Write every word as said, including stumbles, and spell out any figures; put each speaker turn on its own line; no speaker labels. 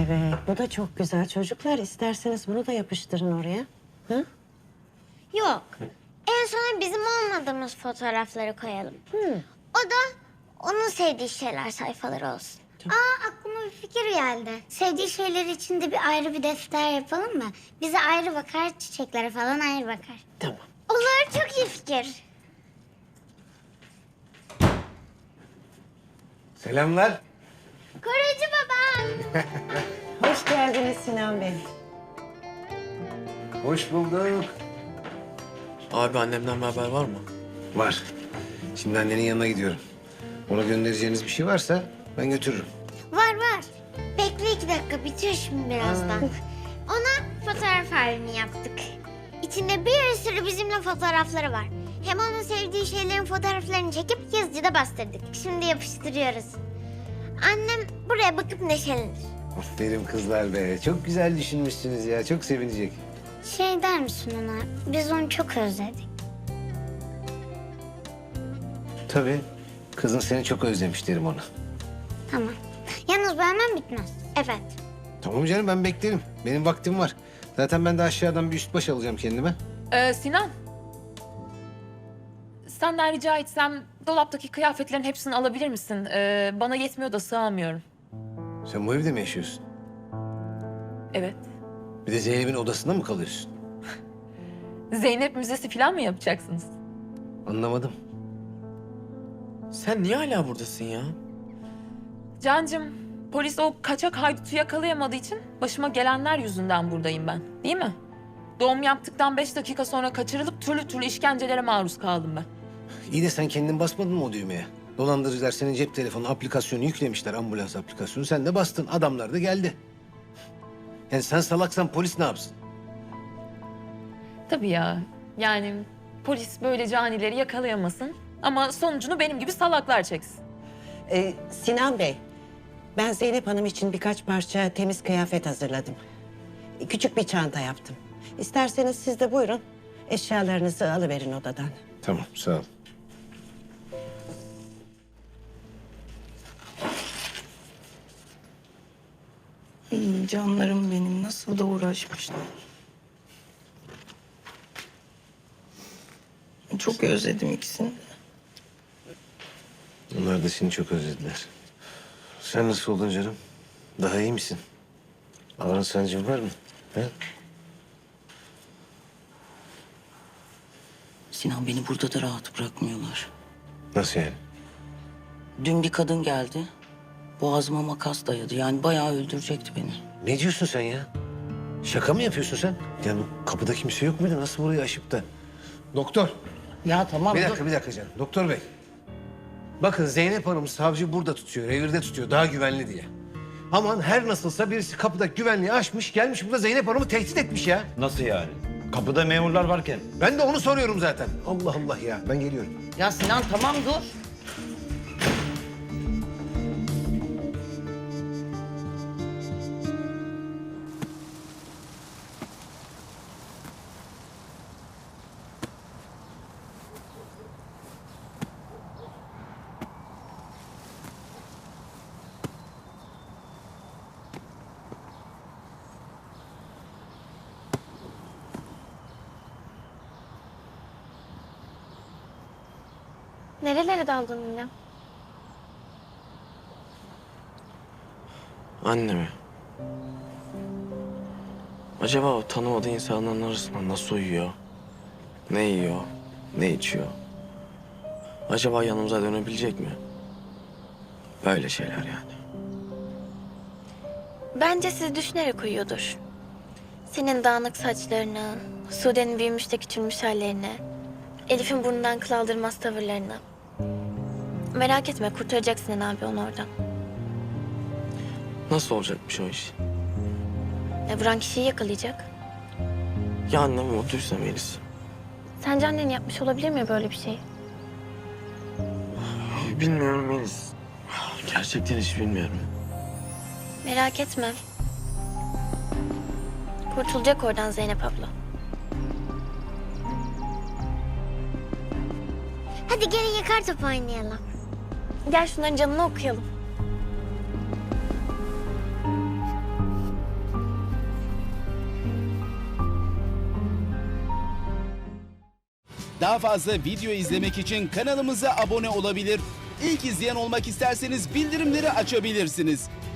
Evet, bu da çok güzel. Çocuklar isterseniz bunu da yapıştırın oraya. Hı?
Yok. En sona bizim olmadığımız fotoğrafları koyalım.
Hı.
O da onun sevdiği şeyler sayfaları olsun. Aa, aklıma bir fikir geldi. Sevdiği şeyler için de bir ayrı bir defter yapalım mı? Bize ayrı bakar, çiçeklere falan ayrı bakar.
Tamam.
Olur, çok iyi fikir.
Selamlar.
Koruyucu baba.
Hoş geldiniz Sinan Bey.
Hoş bulduk.
Abi annemden bir haber var mı?
Var. Şimdi annenin yanına gidiyorum. Ona göndereceğiniz bir şey varsa ben götürürüm.
Var var. Bekle iki dakika, bitiyor şimdi birazdan. Ona fotoğraf albümü yaptık. İçinde bir sürü bizimle fotoğrafları var. Hem onun sevdiği şeylerin fotoğraflarını çekip yazıcıda bastırdık. Şimdi yapıştırıyoruz. Annem buraya bakıp neşelenir.
Aferin kızlar be. Çok güzel düşünmüşsünüz ya. Çok sevinecek.
Şey der misin ona? Biz onu çok özledik.
Tabii. Kızın seni çok özlemiş derim ona.
Tamam. Yalnız bu hemen bitmez. Evet.
Tamam canım, ben beklerim. Benim vaktim var. Zaten ben de aşağıdan bir üst baş alacağım kendime.
Ee, Sinan. Senden rica etsem dolaptaki kıyafetlerin hepsini alabilir misin? Ee, bana yetmiyor da sığamıyorum.
Sen bu evde mi yaşıyorsun?
Evet.
Bir de Zeynep'in odasında mı kalıyorsun?
Zeynep Müzesi falan mı yapacaksınız?
Anlamadım.
Sen niye hala buradasın ya?
Cancım, polis o kaçak haydutu yakalayamadığı için başıma gelenler yüzünden buradayım ben. Değil mi? Doğum yaptıktan beş dakika sonra kaçırılıp türlü türlü işkencelere maruz kaldım ben.
İyi de sen kendin basmadın mı o düğmeye? Dolandırıcılar senin cep telefonu aplikasyonu yüklemişler, ambulans aplikasyonu. Sen de bastın, adamlar da geldi. Yani sen salaksan polis ne yapsın?
Tabii ya. Yani polis böyle canileri yakalayamasın ama sonucunu benim gibi salaklar çeksin.
Ee, Sinan Bey, ben Zeynep Hanım için birkaç parça temiz kıyafet hazırladım. Küçük bir çanta yaptım. İsterseniz siz de buyurun, eşyalarınızı alıverin odadan.
Tamam, sağ ol.
Hmm, canlarım benim nasıl da uğraşmışlar. Çok özledim ikisini de.
Onlar da seni çok özlediler. Sen nasıl oldun canım? Daha iyi misin? Ağrın sancın var mı? He?
Sinan, beni burada da rahat bırakmıyorlar.
Nasıl yani?
Dün bir kadın geldi. Boğazıma makas dayadı. Yani bayağı öldürecekti beni.
Ne diyorsun sen ya? Şaka mı yapıyorsun sen? Ya bu kapıda kimse yok muydu? Nasıl burayı aşıp da? Doktor.
Ya tamam
Bir
dur.
dakika, bir dakika canım. Doktor bey. Bakın Zeynep Hanım savcı burada tutuyor, revirde tutuyor. Daha güvenli diye. Aman her nasılsa birisi kapıda güvenliği aşmış, gelmiş burada Zeynep Hanım'ı tehdit etmiş ya.
Nasıl yani? Kapıda memurlar varken.
Ben de onu soruyorum zaten. Allah Allah ya. Ben geliyorum.
Ya Sinan tamam dur.
Nerelere daldın yine?
Annemi. Acaba o tanımadığı insanların arasında nasıl uyuyor? Ne yiyor? Ne içiyor? Acaba yanımıza dönebilecek mi? Böyle şeyler yani.
Bence sizi düşünerek uyuyordur. Senin dağınık saçlarını, Sude'nin büyümüş de küçülmüş hallerini, Elif'in burnundan kıl aldırmaz tavırlarını. Merak etme, kurtaracak Sinan abi onu oradan.
Nasıl olacakmış o iş?
E, vuran kişiyi yakalayacak.
Ya annem mutluysa Melis?
Sence annen yapmış olabilir mi böyle bir şey?
Bilmiyorum Melis. Gerçekten hiç bilmiyorum.
Merak etme. Kurtulacak oradan Zeynep abla.
Hadi gelin yakar top oynayalım.
Gel şunların canını okuyalım.
Daha fazla video izlemek için kanalımıza abone olabilir. İlk izleyen olmak isterseniz bildirimleri açabilirsiniz.